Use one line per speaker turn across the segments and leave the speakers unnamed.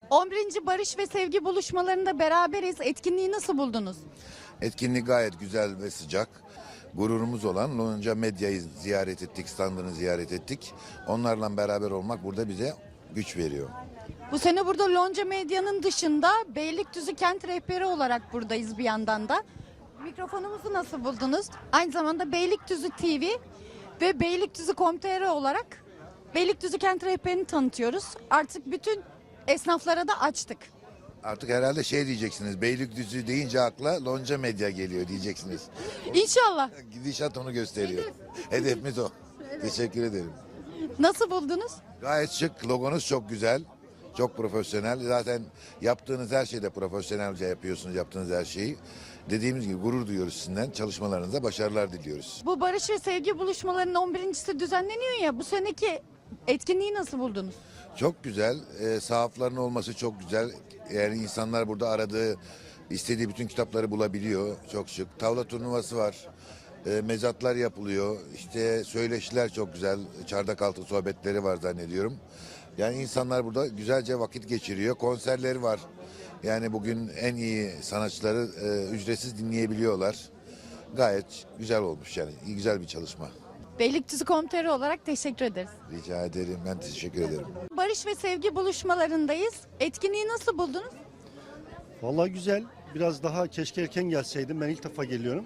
11. Barış ve Sevgi buluşmalarında beraberiz. Etkinliği nasıl buldunuz?
Etkinlik gayet güzel ve sıcak. Gururumuz olan Lonca Medya'yı ziyaret ettik, standını ziyaret ettik. Onlarla beraber olmak burada bize güç veriyor.
Bu sene burada Lonca Medya'nın dışında Beylikdüzü Kent Rehberi olarak buradayız bir yandan da. Mikrofonumuzu nasıl buldunuz? Aynı zamanda Beylikdüzü TV ve Beylikdüzü.com.tr olarak Beylikdüzü Kent Rehberi'ni tanıtıyoruz. Artık bütün esnaflara da açtık.
Artık herhalde şey diyeceksiniz, Beylikdüzü deyince akla Lonca Medya geliyor diyeceksiniz.
İnşallah.
Gidişat onu gösteriyor. Hedefimiz o. Teşekkür ederim.
Nasıl buldunuz?
Gayet şık, logonuz çok güzel. Çok profesyonel. Zaten yaptığınız her şeyde profesyonelce yapıyorsunuz, yaptığınız her şeyi. Dediğimiz gibi gurur duyuyoruz sizinden. Çalışmalarınızda başarılar diliyoruz.
Bu Barış ve Sevgi buluşmalarının 11.si düzenleniyor ya. Bu seneki etkinliği nasıl buldunuz?
Çok güzel. Sahafların olması çok güzel. Yani insanlar burada aradığı, istediği bütün kitapları bulabiliyor. Çok şık. Tavla turnuvası var. Mezatlar yapılıyor. İşte söyleşiler çok güzel. Çardak altı sohbetleri var zannediyorum. Yani insanlar burada güzelce vakit geçiriyor. Konserleri var. Yani bugün en iyi sanatçıları ücretsiz dinleyebiliyorlar. Gayet güzel olmuş yani. Güzel bir çalışma.
Beylikdüzü.com.tr olarak teşekkür ederiz.
Rica ederim. Ben teşekkür ederim.
Barış ve Sevgi buluşmalarındayız. Etkinliği nasıl buldunuz?
Vallahi güzel. Biraz daha keşke erken gelseydim. Ben ilk defa geliyorum.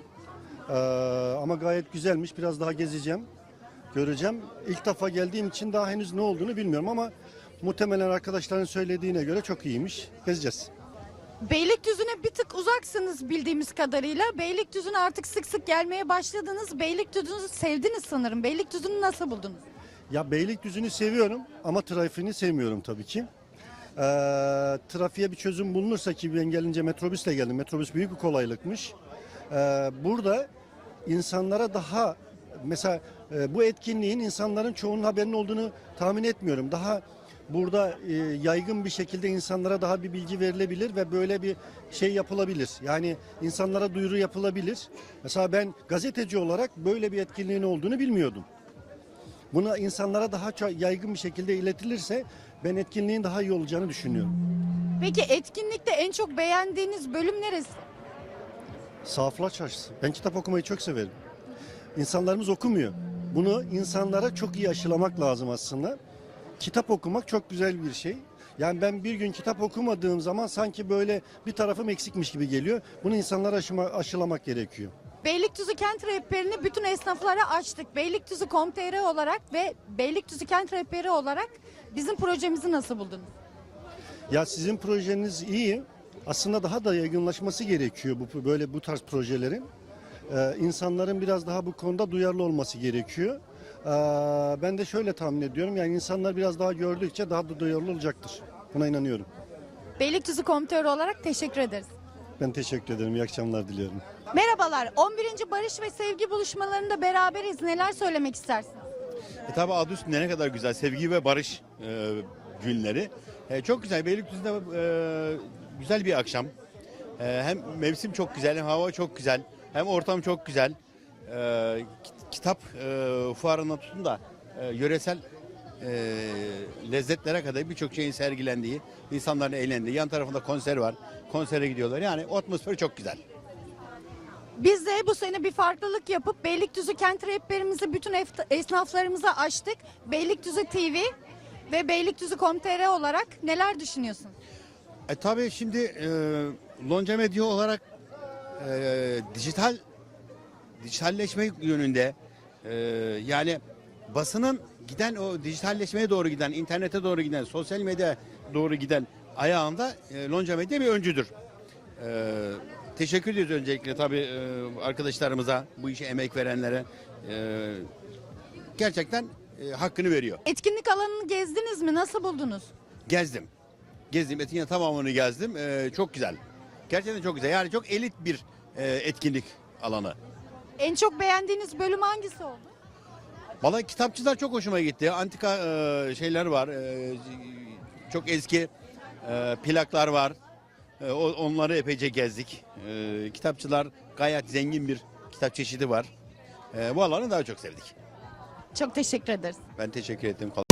Ama gayet güzelmiş. Biraz daha gezeceğim. Göreceğim. İlk defa geldiğim için daha henüz ne olduğunu bilmiyorum ama muhtemelen arkadaşların söylediğine göre çok iyiymiş. Gezeceğiz.
Beylikdüzü'ne bir tık uzaksınız bildiğimiz kadarıyla. Beylikdüzü'ne artık sık sık gelmeye başladınız. Beylikdüzü'nü sevdiniz sanırım. Beylikdüzü'nü nasıl buldunuz?
Ya Beylikdüzü'nü seviyorum ama trafiğini sevmiyorum tabii ki. Trafiğe bir çözüm bulunursa ki ben gelince metrobüsle geldim. Metrobüs büyük bir kolaylıkmış. Burada insanlara daha mesela bu etkinliğin insanların çoğunun haberinin olduğunu tahmin etmiyorum. Daha burada yaygın bir şekilde insanlara daha bir bilgi verilebilir ve böyle bir şey yapılabilir. Yani insanlara duyuru yapılabilir. Mesela ben gazeteci olarak böyle bir etkinliğin olduğunu bilmiyordum. Buna insanlara daha çok yaygın bir şekilde iletilirse ben etkinliğin daha iyi olacağını düşünüyorum.
Peki etkinlikte en çok beğendiğiniz bölüm neresi?
Sahaflar Çarşısı. Ben kitap okumayı çok severim. İnsanlarımız okumuyor. Bunu insanlara çok iyi aşılamak lazım aslında. Kitap okumak çok güzel bir şey. Yani ben bir gün kitap okumadığım zaman sanki böyle bir tarafım eksikmiş gibi geliyor. Bunu insanlara aşılamak gerekiyor.
Beylikdüzü Kent Rehberi'ni bütün esnaflara açtık. Beylikdüzü.com.tr olarak ve Beylikdüzü Kent Rehberi olarak bizim projemizi nasıl buldunuz?
Ya sizin projeniz iyi. Aslında daha da yaygınlaşması gerekiyor bu tarz projelerin. İnsanların biraz daha bu konuda duyarlı olması gerekiyor. Ben de şöyle tahmin ediyorum. Yani insanlar biraz daha gördükçe daha da duyarlı olacaktır. Buna inanıyorum.
Beylikdüzü.com.tr olarak teşekkür ederiz.
Ben teşekkür ederim. İyi akşamlar diliyorum.
Merhabalar. 11. Barış ve Sevgi buluşmalarında beraberiz. Neler söylemek istersiniz?
Tabi adı üstünde ne kadar güzel. Sevgi ve barış günleri. Çok güzel. Beylikdüzü'nde güzel bir akşam. Hem mevsim çok güzel, hem hava çok güzel, hem ortam çok güzel. Kitap fuarına tutun da yöresel lezzetlere kadar birçok şeyin sergilendiği, insanların eğlendiği. Yan tarafında konser var. Konsere gidiyorlar. Yani atmosfer çok güzel.
Biz de bu sene bir farklılık yapıp Beylikdüzü Kent Rehberimizi bütün esnaflarımıza açtık. Beylikdüzü TV ve Beylikdüzü.com.tr olarak neler düşünüyorsunuz?
Tabii şimdi Lonca Medya olarak dijitalleşme yönünde yani basının giden o dijitalleşmeye doğru giden, internete doğru giden, sosyal medya doğru giden ayağında Lonca Medya bir öncüdür. Teşekkür ediyoruz öncelikle tabii arkadaşlarımıza, bu işe emek verenlere. Gerçekten hakkını veriyor.
Etkinlik alanını gezdiniz mi? Nasıl buldunuz?
Gezdim. Etkinliğin tamamını gezdim. Çok güzel. Gerçekten çok güzel. Yani çok elit bir etkinlik alanı.
En çok beğendiğiniz bölüm hangisi oldu?
Vallahi kitapçılar çok hoşuma gitti. Antika şeyler var. Çok eski plaklar var. Onları epeyce gezdik. Kitapçılar gayet zengin bir kitap çeşidi var. Bu alanı daha çok sevdik.
Çok teşekkür ederiz.
Ben teşekkür ettim.